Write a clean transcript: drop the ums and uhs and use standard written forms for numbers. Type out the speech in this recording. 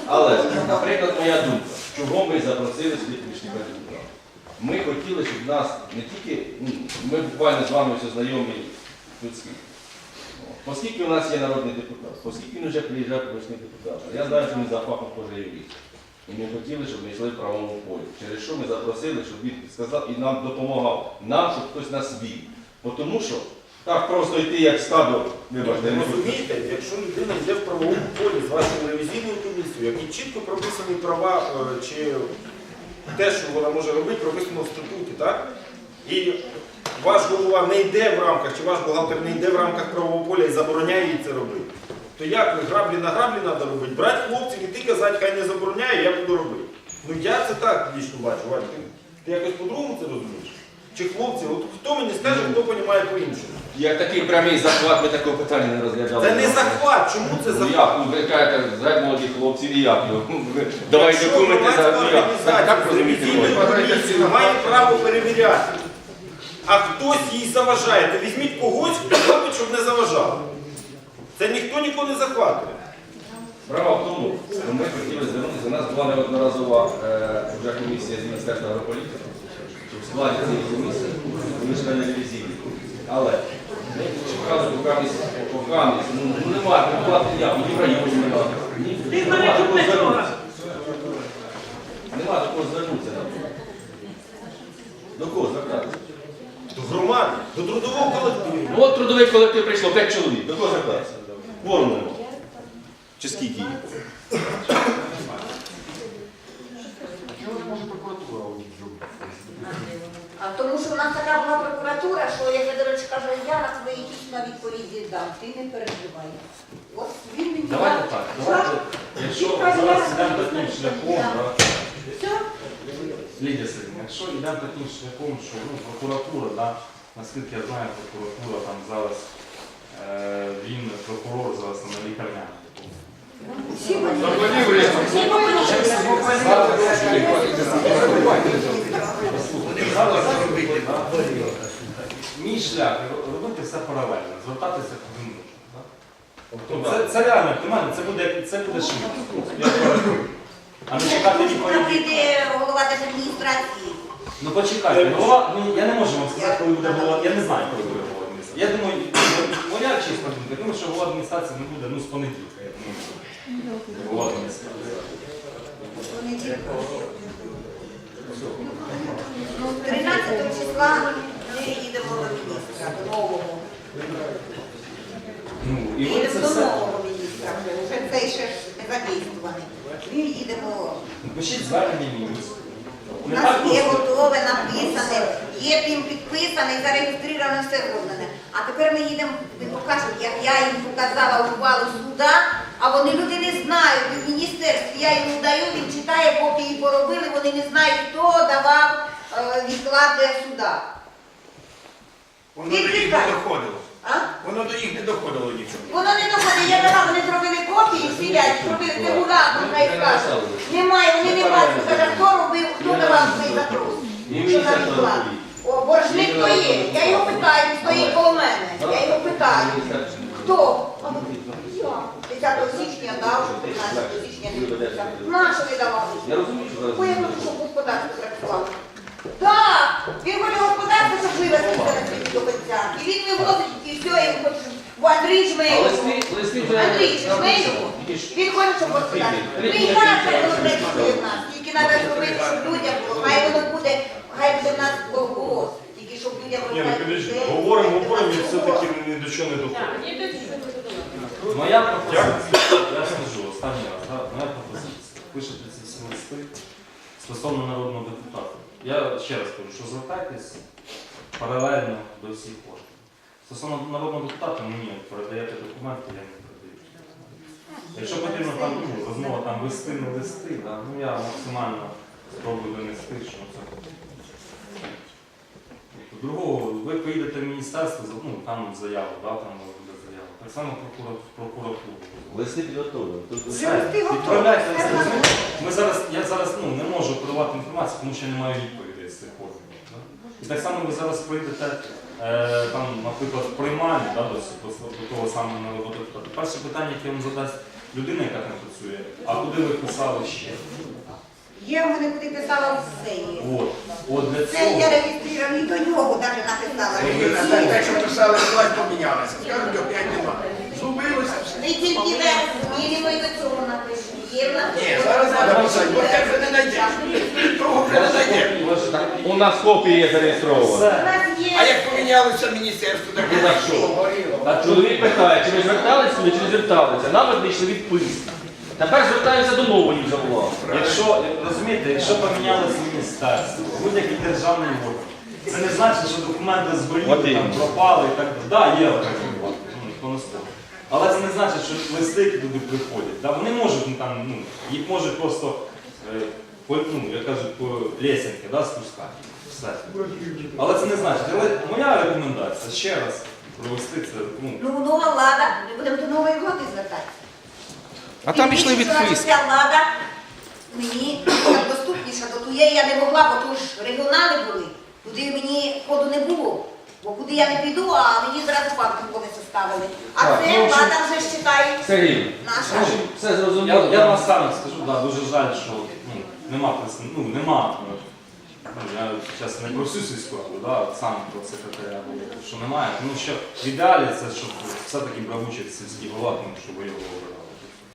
Але, наприклад, моя думка, чого ми запросили сюди помічника депутата. Ми хотіли, щоб нас не тільки, ми буквально з вами все знайомі людські. Оскільки у нас є народний депутат, оскільки він вже приїжджав помічник депутата, я знаю, що він за фахом теж юрист. І ми хотіли, щоб ми йшли в правовому полі. Через що ми запросили, щоб він сказав і нам допомагав. Нам, щоб хтось нас вів. Тому що так просто йти, як стадо, вибачте, не розумієте, якщо людина йде в правовому полі з вашою ревізійною комісією, які чітко прописані права чи те, що вона може робити, прописано в статуті, так? І ваш голова не йде в рамках, чи ваш бухгалтер не йде в рамках правового поля і забороняє їй це робити. То як ви граблі на граблі треба робити? Брати хлопців і ти казати, хай не забороняє, я буду робити. Ну я це так лічно бачу, Вань. Ти якось по-другому це розумієш? Чи хлопці? От хто мені скаже, хто розуміє по-іншому? Як такий прямий захват, ми такого питання не розглядали. Це не захват. Чому це захват? Як? Ви кажете, згадь молодих хлопців і як його? Давай документи за... Організація з ревізійною комісією має право перевіряти. А хтось їй заважає. То візьміть когось, хто робить, щоб не заважало. Це ніхто нікого не захватує. Справа в тому, що ми хотіли звернутися, у нас була неодноразова вже комісія з Міністерства агрополітики, в складі цієї комісії, помічника ревізійної. Але ми чекали покамість, ну немає, не була я, ні в районі немає. Нема такого звернутися. Нема такого звернутися. До кого звертатися? До громади, до трудового колективу. Ну от трудовий колектив прийшло 5 чоловік. До кого звертатися? Кворуму нема. Чи скільки їх? А тому що в нас така була прокуратура, що як Федорович каже, я на твої якісь на відповіді дам, ти не переживай. От він мені Давайте так, давайте, якщо зараз йдемо таким шляхом, Лідія Сергійовна, якщо йдемо таким шляхом, що прокуратура, наскільки я знаю, прокуратура там зараз, він прокурор зараз на лікарняному. Мій шлях робити все паралельно, звертатися куди можна. Це реально, це буде швидко. А не чекати відповіді. прийде голова держадміністрації. Ну почекайте, голова, я не можу вам сказати, коли буде голова, я не знаю, коли буде голова адміністрації. Я думаю, моя чесна думка, я думаю, що голова адміністрації не буде, з понеділка, я думаю, голова адміністрації. 13 числа ми їдемо до міністра, до нового. Ну, і ви Їдемо це до все. нового міністра, вже цей ще ж не задействований. Ми їдемо. Пишіть звернення міністра. У нас є готове, написане, є тим підписане, зареєстроване, все зроблено. А тепер ми їдемо, ви покажете, як я їм показала ухвалу суда, а вони люди не знають, в міністерстві я йому даю, він читає, поки її поробили, вони не знають, хто давав відклад для суда. Воно до їх не доходило. А? Воно до їх не доходило нічого. Воно не доходить, я дала, вони зробили копії, сидять, зробили регулятор, хай скажуть. Немає, вони не бачать, каже, хто робив, хто давав цей запрос. Що за відклад? О, боржник хто є, я його питаю, він стоїть коло мене, я його питаю. Хто? А він, я. 10 січня дав, 15 січня не відписав. Нащо ви давали? Я розумію, що зараз... Бо я хочу, щоб господарство працювало. Так, він хоче господарство, щоб вивезти на світі до кінця. І він вивозить, і все, і він хоче, щоб... Бо Андрій жме його. Андрій жме його. Він хоче, щоб господарство. Ми і зараз переговорити в нас. Тільки треба зробити, щоб людям було. Хай воно буде, хай буде в нас колгосп. Тільки щоб людям розказати. Говоримо, і все-таки ні до чого не доходить. Моя пропозиція, я скажу останній раз, моя пропозиція. Пишете ці всі листи стосовно народного депутата. Я ще раз кажу, що звертайтесь паралельно до всіх органів. Стосовно народного депутата, мені передаєте документи, я не передаю. Якщо потрібно там розмова там листи, не листи, я максимально спробую донести, що це. Другого, ви поїдете в міністерство, там заяву, там може бути заява. Так само прокуратуру. Листи підготовлені. Відправляйте листи. Я зараз не можу подавати інформацію, тому що я не маю відповідей з цих органів. І так само ви зараз прийдете, наприклад, в приймальні до того самого народного депутата. Перше питання, яке вам задасть людина, яка там працює, а куди ви писали ще? Є в мене, куди писала все є. От для Це цього. я реєстрований до нього навіть написала. Так, що писали, власть помінялася. Скажуть, опять нема. Зубилося все. Не тільки верх, змінимо і до цього напишемо. Є в нас. Ні, зараз треба писати, бо те вже не знайдеш. Того вже не знайдеш. У нас копії є зареєстровані. У нас є. А як помінялося міністерство, так Ну, так що? А чоловік питає, чи ви зверталися сюди, чи не зверталися. Нам відійшли відписки. Тепер звертаємося до нової вже влади. Якщо, розумієте, якщо помінялося міністерство, будь-який державний орган, це не значить, що документи От зболіли, там іменно. пропали і так далі. Так, є такі випадки, ніхто не спорить. Але це не значить, що листи, які туди приходять. Да? Вони можуть, їх можуть просто, як кажуть, по лесенки, да, спускати. Все. Але це не значить. Але моя рекомендація, ще раз провести це. Ну, нова влада, ми будемо до нової влади звертатися. А там йшли відписки. Ця влада мені як доступніша до тієї я не могла, бо то ж регіонали були, туди мені ходу не було. Бо куди я не піду, а мені зразу парку вони составили. А Так, це ну, влада вже вважає Сергій, наша. все зрозуміло. Я вам сам скажу, да, дуже жаль, що нема. Я зараз не про всю сільську раду, да, сам про секретаря говорю, що немає. Тому що в ідеалі це, щоб все-таки брав участь сільський голова, тому що ви його обирали.